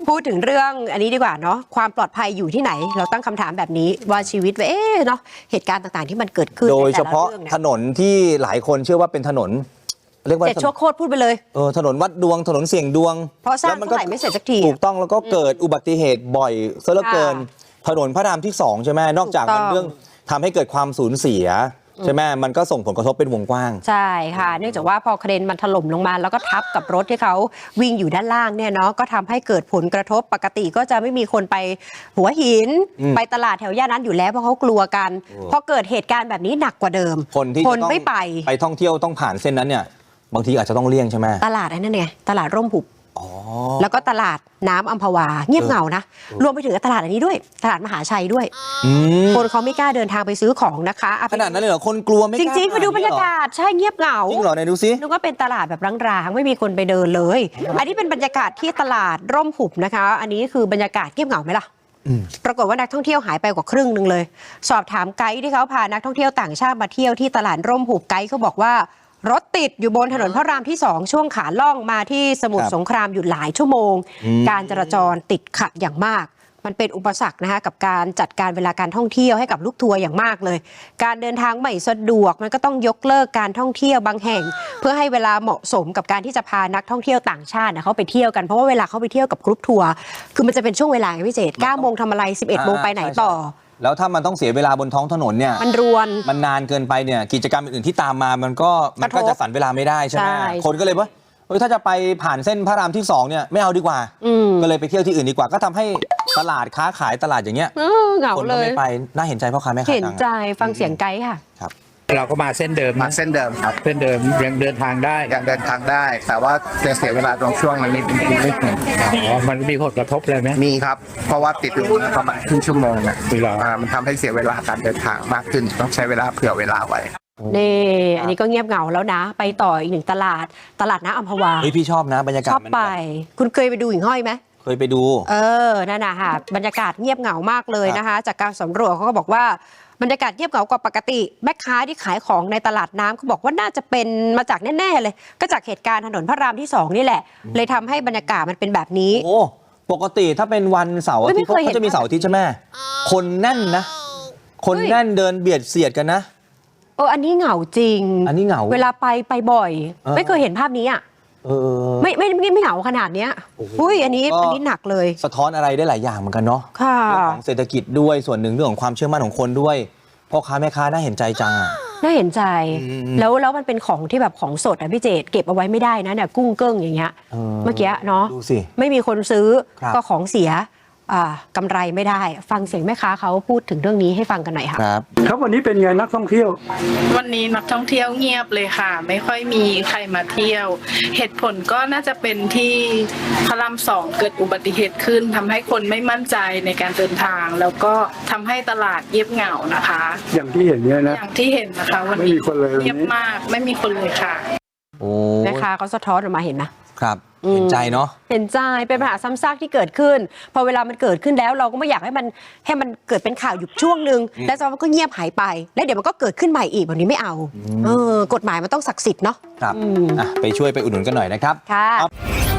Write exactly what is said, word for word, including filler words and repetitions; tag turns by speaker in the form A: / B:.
A: พูดถึงเรื่องอันนี้ดีกว่าเนาะความปลอดภัยอยู่ที่ไหนเราตั้งคำถามแบบนี้ว่าชีวิตเอ๊ะเนาะเหตุการณ์ต่างๆที่มันเกิดขึ้น
B: โดยเฉพาะถนนที่หลายคนเชื่อว่าเป็นถนนเรียกว่า
A: เจ็ดชั่วโคตรพูดไปเลย
B: เออถนนวัดดวงถนนเสี่ยงดวง
A: เพราะสร้างเท่าไหร่ไม่เสร็จสักที
B: ถูกต้องแล้วก็เกิดอุบัติเหตุบ่อยซะเหลือเกินถนนพระรามที่สองใช่ไหมนอกจากมันเรื่องทำให้เกิดความสูญเสียใช่ไหมมันก็ส่งผลกระทบเป็นวงกว้าง
A: ใช่ค่ะเนื่องจากว่าพอเครนมันถล่มลงมาแล้วก็ทับกับรถที่เขาวิ่งอยู่ด้านล่างเนี่ยเนาะก็ทำให้เกิดผลกระทบปกติก็จะไม่มีคนไปหัวหินไปตลาดแถวย่านนั้นอยู่แล้วเพราะเขากลัวกันพอเกิดเหตุการณ์แบบนี้หนักกว่าเดิม
B: คนที่จะต้องไม่ไปไปท่องเที่ยวต้องผ่านเส้นนั้นเนี่ยบางทีอาจจะต้องเลี่ยงใช่ไหม
A: ตลาดนั่นไงตลาดร่มหุบแล้วก็ตลาดน้ำอัมพวาเงียบเหงานะรวมไปถึงตลาดอันนี้ด้วยตลาดมหาชัยด้วยคนเขาไม่กล้าเดินทางไปซื้อของนะคะ
B: ขนาดนั้นเลยเหรอคนกลัวไม่กล้า
A: จริงๆไปดูบรรยากาศใช่เงียบเหงา
B: จริงเหรอไหนดูซิ
A: นึกว่าเป็นตลาดแบบร้างๆไม่มีคนไปเดินเลยอันนี้เป็นบรรยากาศที่ตลาดร่มหุบนะคะอันนี้คือบรรยากาศเงียบเหงาไหมล่ะปรากฏว่านักท่องเที่ยวหายไปกว่าครึ่งหนึ่งเลยสอบถามไกด์ที่เขาพานักท่องเที่ยวต่างชาติมาเที่ยวที่ตลาดร่มหุบไกด์เขาบอกว่ารถติดอยู่บนถนนพระรามที่สองช่วงขาล่องมาที่สมุทรสงครามอยู่หลายชั่วโมงการจราจรติดขัดอย่างมากมันเป็นอุปสรรคนะคะกับการจัดการเวลาการท่องเที่ยวให้กับลูกทัวร์อย่างมากเลยการเดินทางไม่สะดวกมันก็ต้องยกเลิกการท่องเที่ยวบางแห่งเพื่อให้เวลาเหมาะสมกับการที่จะพานักท่องเที่ยวต่างชาติเขาไปเที่ยวกันเพราะว่าเวลาเขาไปเที่ยวกับกรุ๊ปทัวร์คือมันจะเป็นช่วงเวลาพิเศษเก้าโมงทำอะไรสิบเอ็ดโมงไปไหนต่อ
B: แล้วถ้ามันต้องเสียเวลาบนท้องถนนเนี่ย
A: มันรวน
B: มันนานเกินไปเนี่ยกิจกรรมอื่นๆที่ตามมามันก็มันก็จะสั่นเวลาไม่ได้ใช่ไหมคนก็เลยว่าเออถ้าจะไปผ่านเส้นพระรามที่สองเนี่ยไม่เอาดีกว่าก็เลยไปเที่ยวที่อื่นดีกว่าก็ทำให้ตลาดค้าขายตลาดอย่างเงี้ยคนก็ไม่ไปน่าเห็นใจพ่อค้าแม่ค้า
A: เห็นใจฟังเสียงไกด์ค่ะ
B: ครับ
C: เราก็มาเส้นเดิม
D: มาเส้นเดิมครับ
C: เส้นเดิมยังเดินทางได้
D: ยังเดินทางได้แต่ว่าจะเสียเวลาตรงช่วงนั้นนิดนึง
C: อ๋อมันมีผลกระทบอะไรไหม
D: มีครับเพราะว่าติดอยู่ประมาณครึ่งชั่วโมงอ่ะ
C: เวลา
D: มันทำให้เสียเวลาการเดินทางมากขึ้นต้องใช้เวลาเผื่อเวลาไว้
A: นี่อันนี้ก็เงียบเหงาแล้วนะไปต่ออีกหนึ่งตลาดตลาดน้ำอัมพวา
B: เฮ้ยพี่ชอบนะบรรยากาศ
A: ชอบไปคุณเคยไปดูหิ่งห้อยไหม
B: เคยไปดู
A: เออนั่นนะค่ะบรรยากาศเงียบเหงามากเลยนะคะจากการสำรวจเขาก็บอกว่าบรรยากาศเงียบเหงากว่าปกติแม่ค้าที่ขายของในตลาดน้ำเขาบอกว่าน่าจะเป็นมาจากแน่ๆเลยก็จากเหตุการณ์ถนนพระรามที่สองนี่แหละเลยทำให้บรรยากาศมันเป็นแบบนี้
B: โอ้ปกติถ้าเป็นวันเสาร์อาทิตย์เขาจะมีเสาร์อาทิตย์ใช่ไหมคนแน่นนะคนแน่นเดินเบียดเสียดกันนะ
A: เอออันนี้เหงาจริง
B: อันนี้เหงา
A: เวลาไปไปบ่อยไม่เคยเห็นภาพนี้อ่ะ
B: เออ
A: ไม่ไม่ไม่ไม่เหงาขนาดเนี้ยอุ้ยอันนี้อันนี้หนักเลย
B: สะท้อนอะไรได้หลายอย่างเหมือนกันเนาะ
A: ค่ะ
B: เรื่องของเศรษฐกิจด้วยส่วนหนึ่งเรื่องของความเชื่อมั่นของคนด้วยพ่อค้าแม่ค้าน่าเห็นใจจังอ่ะ
A: น่าเห็นใจแล้วแล้วมันเป็นของที่แบบของสดอ่ะพี่เจตเก็บเอาไว้ไม่ได้นะเนี่ยกุ้งเกิ้งอย่างเงี้ยเมื่อกี้เนาะ
B: ดูสิ
A: ไม่มีคนซื้อก็ของเสียกำไรไม่ได้ฟังเสียงแม่ค้าเขาพูดถึงเรื่องนี้ให้ฟังกันหน่อยค่ะ
B: ครับ
E: ครับวันนี้เป็นไงนักท่องเที่ยว
F: วันนี้นักท่องเที่ยวเงียบเลยค่ะไม่ค่อยมีใครมาเที่ยวเหตุผลก็น่าจะเป็นที่พระรามสองเกิดอุบัติเหตุขึ้นทำให้คนไม่มั่นใจในการเดินทางแล้วก็ทำให้ตลาดเงียบเหงานะคะ
E: อย่างที่เห็นเนี่ยนะ
F: อย่างที่เห็นนะคะวันนี้เงียบมากไม่มีคนเลยค่ะ
A: แม่ค้าเขาสะท้อนออกมาเห็นไหม
B: ครับเห็นใจเนาะ
A: เห็นใจเป็นปัญหาซ้ำซากที่เกิดขึ้นพอเวลามันเกิดขึ้นแล้วเราก็ไม่อยากให้มันให้มันเกิดเป็นข่าวอยู่ช่วงนึงแล้วจากนั้นมันก็เงียบหายไปแล้วเดี๋ยวมันก็เกิดขึ้นใหม่อีกแบบนี้ไม่เอาเออกฎหมายมันต้องศักดิ์สิทธิ์เนาะ
B: ครับไปช่วยไปอุดหนุนกันหน่อยนะครับ
A: ค่ะ